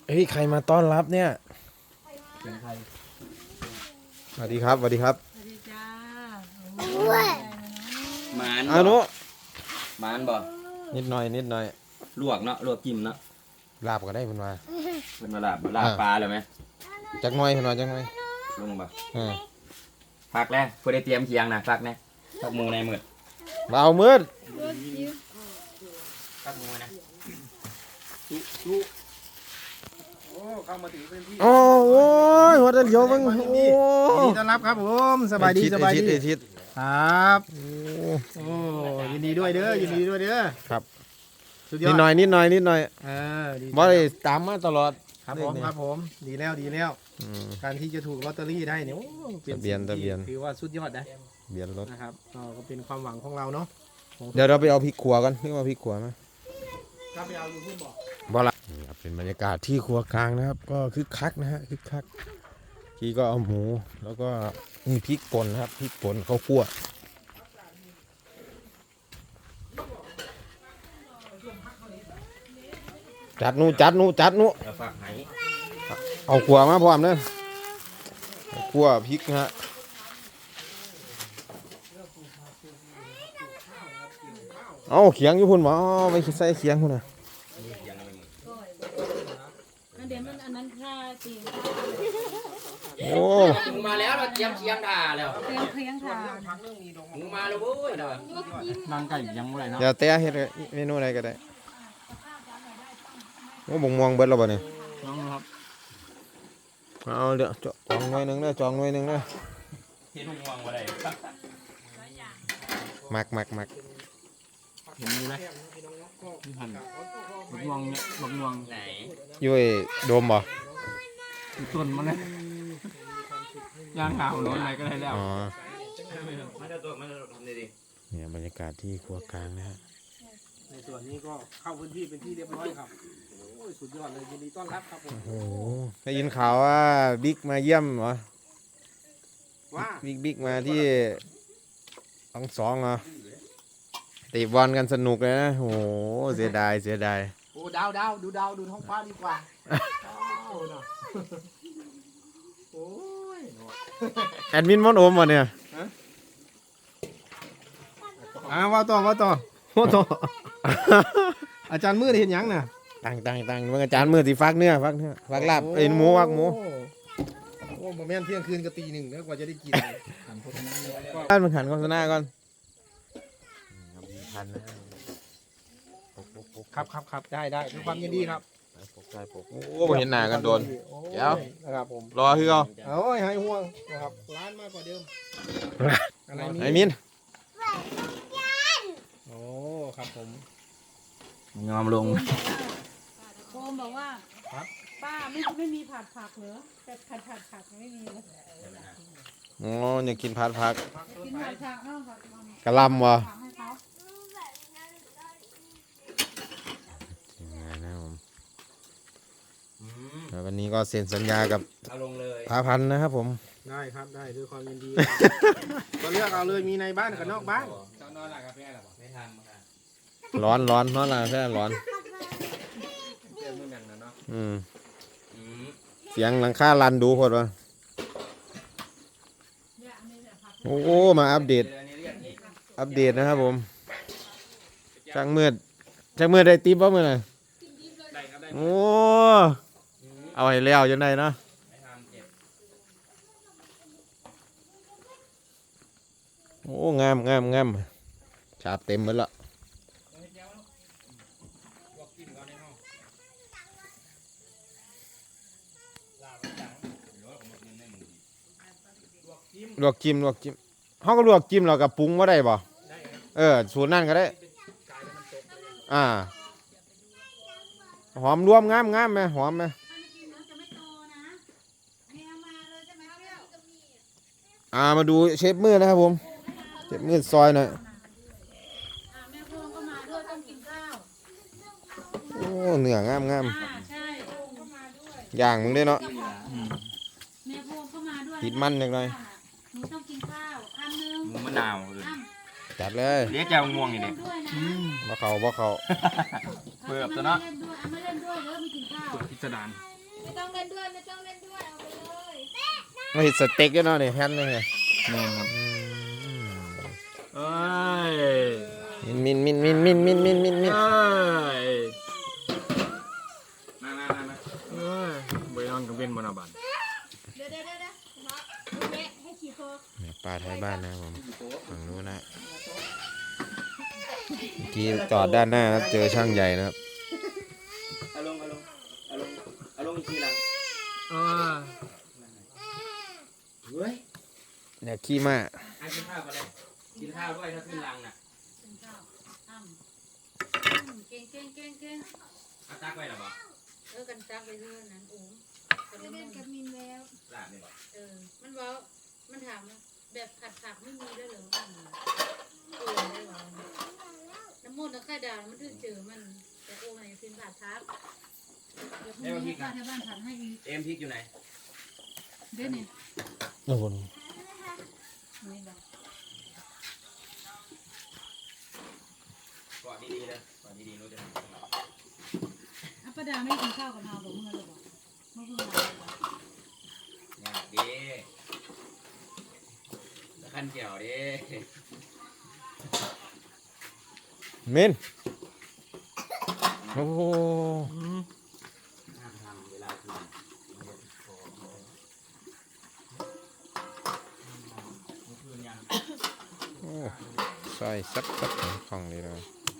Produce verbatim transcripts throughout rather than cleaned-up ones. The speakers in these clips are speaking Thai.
เฮ้ยใครมาต้อนรับเนี่ยเป็นใครสวัสดีครับสวัสดีครับสวัสดีจ้าหมานอานุหมานบ่นิดหน่อยนิดหน่อยลวกเนาะลวกจิ้มเนาะลาบก็ได้เพิ่นว่าเพิ่นมาลาบลาบปลาเลยไหมจักหน่อยเพิ่นว่าจักหน่อยลงบ่อ่าพักแล้วเพิ่นได้เตรียมเคียงนะพักแน่พักหมูในมืดบ่าวมืดพักหมูนะจุจุโอ้เข้ามาถึงพื้นที่โอ้ยหัวตะเหลียวเบิ่งโอ้ยินดีต้อนรับครับผมสบายดีสบายดีครับโอ้ยินดีด้วยเด้อยินดีด้วยเด้อครับสุดยอดนิดหน่อยนิดหน่อยนิดหน่อยเออดีบ่ได้ตามมาตลอดครับผมครับผมดีแล้วดีแล้วการที่จะถูกลอตเตอรี่ได้เนี่ยทะเบียนทะเบียนถือว่าสุดยอดนะเบียนรถนะครับก็เป็นความหวังของเราเนาะเดี๋ยวเราไปเอาพริกขัวกันนี่ว่าพริกขัวมั้ยครับไปเอาอยู่พุ่นบ่บ่ล่ะนี่ครับเป็นบรรยากาศที่ครัวกลางนะครับก็คึกคักนะฮะคึกคักที่ก็เอาหมูแล้วก็มีพริกป่นนะครับพริกป่นข้าวคั่วจัดนู่จัดนู่จัดนู่เอาขัวมาพร้อมเด้อขัวพริกนะฮะเอาเขียงอยู่พุ่นบ่ไปใส่เขียงพุ่นน่ะเดี๋ยวมันอันนั้นค่าจริงโอ้หมูมาแล้วเราเตรียมเคียงด่าแล้วเตรียมเคียงค่ะหมูมาแล้วเว้ยนั่งไก่ยังบ่ได้เนาะเดี๋ยวเตะเฮ็ดเมนูอะไรก็ได้โอ้บ่งม่วงเบิดแล้วบ่นี่น้องครับเอาเดี๋ยวจองหน่วยนึงเด้อจองหน่วยนึงเด้อเฮ็ดม่วงบ่ได้มักมักมักเห็นมีไหมมีหั่นบักม่วงเนี่ยบักม่วงไหนอยู่ไอ้โดมบ่ต้นมันเลยย่างขาวร้อนอะไรก็ได้แล้วอ๋อมาเจ้าตัวมาทำดีๆเนี่ยบรรยากาศที่ครัวกลางนะฮะในส่วนนี้ก็เข้าพื้นที่เป็นที่เรียบร้อยครับโอ้ยสุดยอดเลยยินดีต้อนรับครับผมโอ้โหได้ยินข่าวว่าบิ๊กมาเยี่ยมเหรอว่าบิ๊กบิ๊กมาที่ทั้งสองเหรอเตะบอลกันสนุกเลยนะโอ้โหเสียดายเสียดายโอ้ดาวดาวดูดาวดูท้องฟ้าดีกว่าโอ้ยแอดมินมอนโอมวะเนี่ยอ่าว่าต่อว่าต่อว่าต่ออาจารย์มืดเห็นยังน่ะตั้งตั้งตั้งเมื่ออาจารย์มือที่ฟักเนื้อฟักเนื้อฟักลาบเอ็นหมูฟักหมูโอ้โหแม่นเที่ยงคืนก็ตีหนึ่งแล้วกว่าจะได้กินท่านมันขันโฆษณาก่อนครับครับครับได้ได้ด้วยความยินดีครับโอ้เห็นหน้ากันโดนเดี๋ยวนะครับผมรอคือเขาโอ้ยหายห่วงนะครับร้านมากกว่าเดิมอะไรนี่ไอ้มินโอ้ครับผมยอมลงโคมบอกว่าป้าไม่ไม่มีผัดผักเหรอแต่ผัดผัดผักไม่มีเลยโอ้อยากกินผัดผักกินผัดผักเนาะกะลำวะวันนี้ก็เซ็นสัญญากับพาพันนะครับผมได้ครับได้ด้วยความยินดีก็เลือกเอาเลยมีในบ้านกับนอกบ้านนอนหลับกาแฟหรอไม่ทันร้อนร้อนนอนหลับกาแฟร้อนอืมเสียงหลังคาลันดูพอดวะโอ้มาอัปเดตอัปเดตนะครับผมช่างมืดช่างมืดได้ติ๊บป่ะมือไหนโอ้เอาให้แล้วยังไงนะโอ้งามงามงามฉาบเต็มหมดละลวกจิ้มลวกจิ้มเขาก็ลวกจิ้มเรากับปรุงว่าได้ป่ะเออสูตรนั่นก็ได้อ่าหอมรวมงามงามไหมหอมไหมอ่ามาดูเชฟมืดนะครับผมเชฟมืดซอยหน่อยโอ้เนื้องามงามย่างมึงได้เนาะติดมันจังเลยหมูมะนาวจัดเลยเลี้ยงแจ่วม่วงนี่เด็กบ่เขาบ่เขาเปิดตัวเนาะพิจารณาไม่ต้องเล่นด้วยไม่ต้องเล่นด้วยเอาไปเลยมาเห็ดสเต็กด้วยเนาะเนี่ยแพนเลยไงแม่ครับเอ้ยมินมินมินมินมินมินมินมินเอ้ยมามามามาเอ้ยไปนอนกับเบนบนอาบันเดี๋ยวเดี๋ยวเดี๋ยวเดี๋ยวเนาะแม่ให้ขี่โคเนี่ยปลาไทยบ้านนะครับผมฝั่งนู้นนะเมื่อกี้จอดด้านหน้าครับเจอช่างใหญ่นะครับเอาลงเอาลงเอาลงเอาลงอีกทีหลังเออเฮ้ยเนี่ยขี้ม้าให้กินข้าวกันเลยกินข้าวด้วยถ้าขึ้นรังน่ะกินข้าวอ้ำอืมเก่งเก่งเก่งเก่งเอาตักไว้หรอบ่เออกันจักไปเรื่อยนั้นโอ้กันเล่นกับมินแล้วลาบนี่บ่เออมันเว้ามันถามว่าแบบผัดผักไม่มีแล้วเหรออืมเออได้หรอน้ำมันน้ำไข่ดาวมันถึงเจอมันแต่โอ้ยกินผัดทับเดี๋ยวพรุ่งนี้ป้าที่บ้านผัดให้อีกเอ็มพริกอยู่ไหนเดี๋ยวนี้โอ้โหนี่แบบกอดดีๆเลยกอดดีๆรู้จะทำอ่ะป้าดาไม่ได้กินข้าวกับเราบอกเมื่อเลยบอกเมื่อเพิ่งมาบอกงานดีตะขันเกี่ยวดิมินโอ้โหห้ามทำเวลาคืนคืนยังโอ้ใส่ซับซับของเลยเลย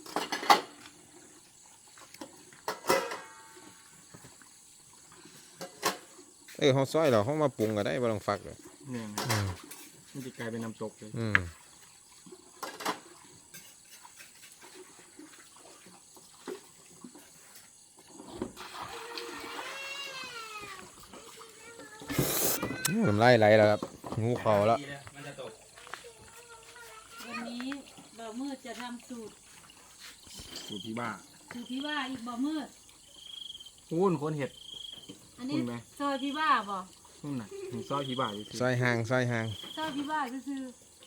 เออเขาซอยเราเขามาปรุงก็ได้บ่ต้องฟักเลยเนี่ยอืมมันจะกลายเป็นน้ำตกเลยอืมน้ำลายไหลแล้วครับงูเขาแล้วมันจะตกวันนี้บ่าวมืดจะทำสูตรสูตรที่บ้าสูตรพี่ว่าอีกบ่าวมืดหุ้นคนเห็ดอันนี้คุณไหมซอยพี่ว่าบ่หุ้นน่ะถึงซอยที่บ้าอยู่สิซอยห่างซอยห่างซอยพี่ว่าคือ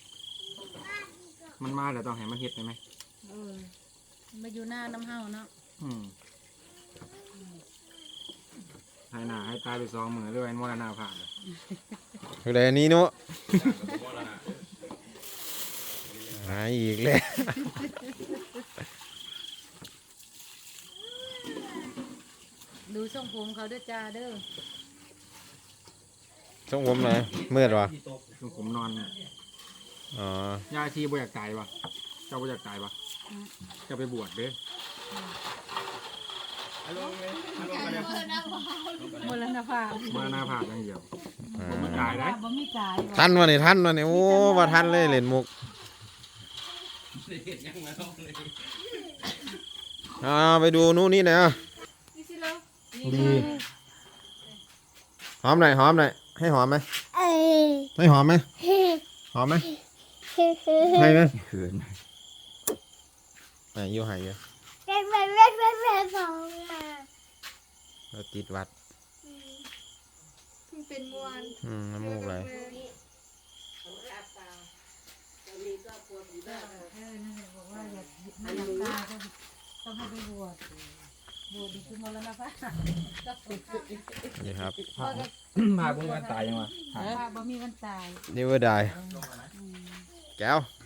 มันมาแล้วต้องให้มันเห็ดได้ไหมเออมาอยู่หน้าน้ำเฮาเนาะอืมให้หน้าให้ตายไปสองมือเรื่อยมรณาผ่านเลยคืออะไรอันนี้เนาะหายอีกแล้วดูทรงผมเขาด้วยจ้าเด้อช่วงผมหน่อยมืดวะลุงผมนอนเนี่ยอ๋อยาชีบ่อยากตายปะเจ้าบ่อยากตายปะจะไปบวชเด้อมรณภาพมรณาผ่านอย่างเดียวอ่บ่มีาตายได้บ่มีตายทันวะนี่ทันวะนี่โอ้ว่าทันเลยเล่นมุกอ่าไปดูนู่นนี่หนะนี่สิแล้วดีหอมหน่อยหอมหน่อยให้หอมไหมให้หอมไหมหอมไหมให้ไหมเขินไหนอยู่ไหนอยู่เราติดวัดเป็นมวนอืมน้ำมูกไหลเออนั่นแหละบอกว่าอยากไม่อยากตายก็ต้องให้ไปบวชบวชดีคือมรณภาพนี่ครับพาคุณกันตายยังวะพาบ่มีวันตายนี่ว่าได้แก้ว